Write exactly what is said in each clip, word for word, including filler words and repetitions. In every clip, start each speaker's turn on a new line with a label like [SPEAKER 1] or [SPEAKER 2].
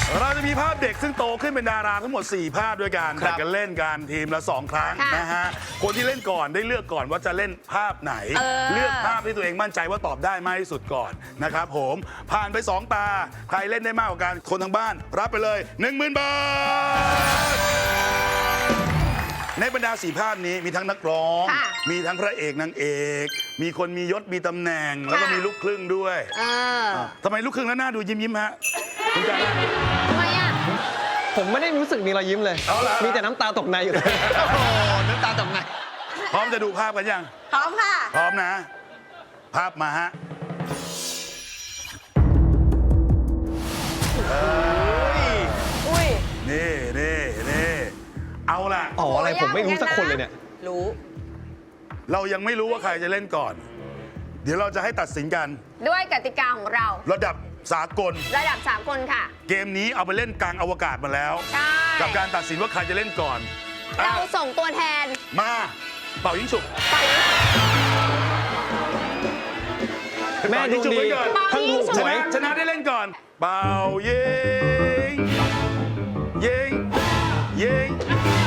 [SPEAKER 1] เราจะมีภาพเด็กซึ่งโตขึ้นเป็นดาราทั้งหมดสี่ภาพด้วยกันแข่งกันเล่นกันทีมละสองครั้งนะฮะคนที่เล่นก่อนได้เลือกก่อนว่าจะเล่นภาพไหน เลือกภาพที่ตัวเองมั่นใจว่าตอบได้มากที่สุดก่อนนะครับผมผ่านไปสองตาใครเล่นได้มากกว่ากันคนทางบ้านรับไปเลย หนึ่งหมื่น บาทในบรรดาสี่ภาพนี้มีทั้งนักร้องมีทั้งพระเอกนางเอกมีคนมียศมีตำแหน่งแล้วก็มีลูกครึ่งด้วยทำไมลูกครึ่งแล้วหน้าดูยิ้มยิ้มฮะคุณจ๋า
[SPEAKER 2] ทำไมอ่ะ
[SPEAKER 3] ผมไม่ได้รู้สึกมีรอยยิ้มเลยมีแต่น้ำตาตกในอยู่เลยโอ้โหน้ำตาตกใน
[SPEAKER 1] พร้อมจะดูภาพกันยัง
[SPEAKER 2] พร้อมค่ะ
[SPEAKER 1] พร้อมนะภาพมาฮะ
[SPEAKER 2] อุ้ย
[SPEAKER 1] นี่นี่นี่เอาล่ะ
[SPEAKER 3] อ๋ออะไรผมไม่รู้สักคนเลยเนี่ย
[SPEAKER 2] รู้
[SPEAKER 1] เรายังไม่รู้ว่าใครจะเล่นก่อนเดี๋ยวเราจะให้ตัดสินกัน
[SPEAKER 2] ด้วยกติกาของเรา
[SPEAKER 1] ระดับสากล
[SPEAKER 2] ระดับสากลค่ะ
[SPEAKER 1] เกมนี้เอาไปเล่นกลางอวกาศมาแล้ว
[SPEAKER 2] ใช่
[SPEAKER 1] กับการตัดสินว่าใครจะเล่นก่อน
[SPEAKER 2] เราส่งตัวแทน
[SPEAKER 1] มาเป่ายิงฉุบ
[SPEAKER 3] แม่ดูดี
[SPEAKER 2] ทั้งดู
[SPEAKER 1] ชนะชนะได้เล่นก่อนเป่ายิงยิงยิง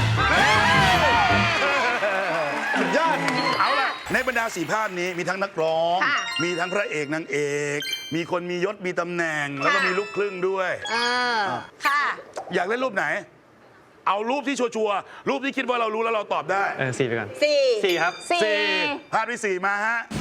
[SPEAKER 1] สุดยอดเอาล่ะในบรรดาสี่ภาพนี้มีทั้งนักร้องมีทั้งพระเอกนางเอกมีคนมียศมีตำแหน่งแล้วก็มีลูกครึ่งด้วย
[SPEAKER 2] เออค่ะ
[SPEAKER 1] อยากเล่นรูปไหนเอารูปที่ชัวร์ๆรูปที่คิดว่าเรารู้แล้วเราตอบได้
[SPEAKER 3] เออสี่ไปก่อน
[SPEAKER 2] สี่
[SPEAKER 3] สี่ครับ
[SPEAKER 1] สี่ภาพที่สี่มาฮะ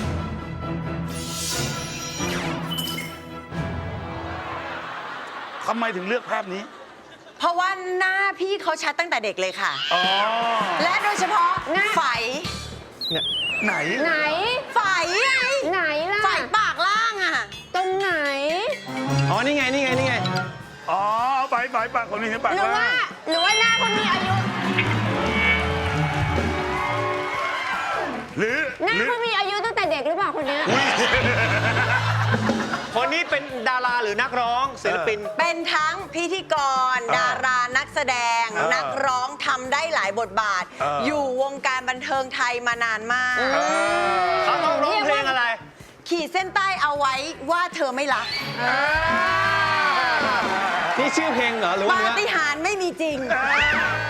[SPEAKER 1] ทำไมถึงเลือกภาพนี้
[SPEAKER 4] เพราะว่าหน้าพี่เขาชัดตั้งแต่เด็กเลยค่ะ
[SPEAKER 1] อ๋อ
[SPEAKER 4] และโดยเฉพาะไฝ
[SPEAKER 3] เนี่ย
[SPEAKER 1] ไหน
[SPEAKER 2] ไหน
[SPEAKER 4] ไฝ
[SPEAKER 2] ไหนล่ะ
[SPEAKER 4] ไฝปากล่างอ่ะ
[SPEAKER 2] ตรงไหน
[SPEAKER 3] อ๋อนี่ไงนี่ไงนี่ไง
[SPEAKER 1] อ๋อไฝไฝปากคนนี้ปากล่าง
[SPEAKER 2] หรือว่าหรือว่าหน้าคนมีอายุ
[SPEAKER 1] หรือ
[SPEAKER 2] หน้าคนมีอายุตั้งแต่เด็กหรือเปล่าคนนี้
[SPEAKER 3] คนนี้เป็นดาราหรือนักร้องศิลปิน
[SPEAKER 4] เป็นทั้งพิธีกรดารานักแสดงนักร้องทำได้หลายบทบาทอยู่วงการบันเทิงไทยมานานมาก
[SPEAKER 3] เขาต้องร้องเพลงอะไร
[SPEAKER 4] ขีดเส้นใต้เอาไว้ว่าเธอไม่รัก
[SPEAKER 3] นี่ชื่อเพลงเหรอหรือว่า
[SPEAKER 4] ปาฏิหาริย์ไม่มีจริง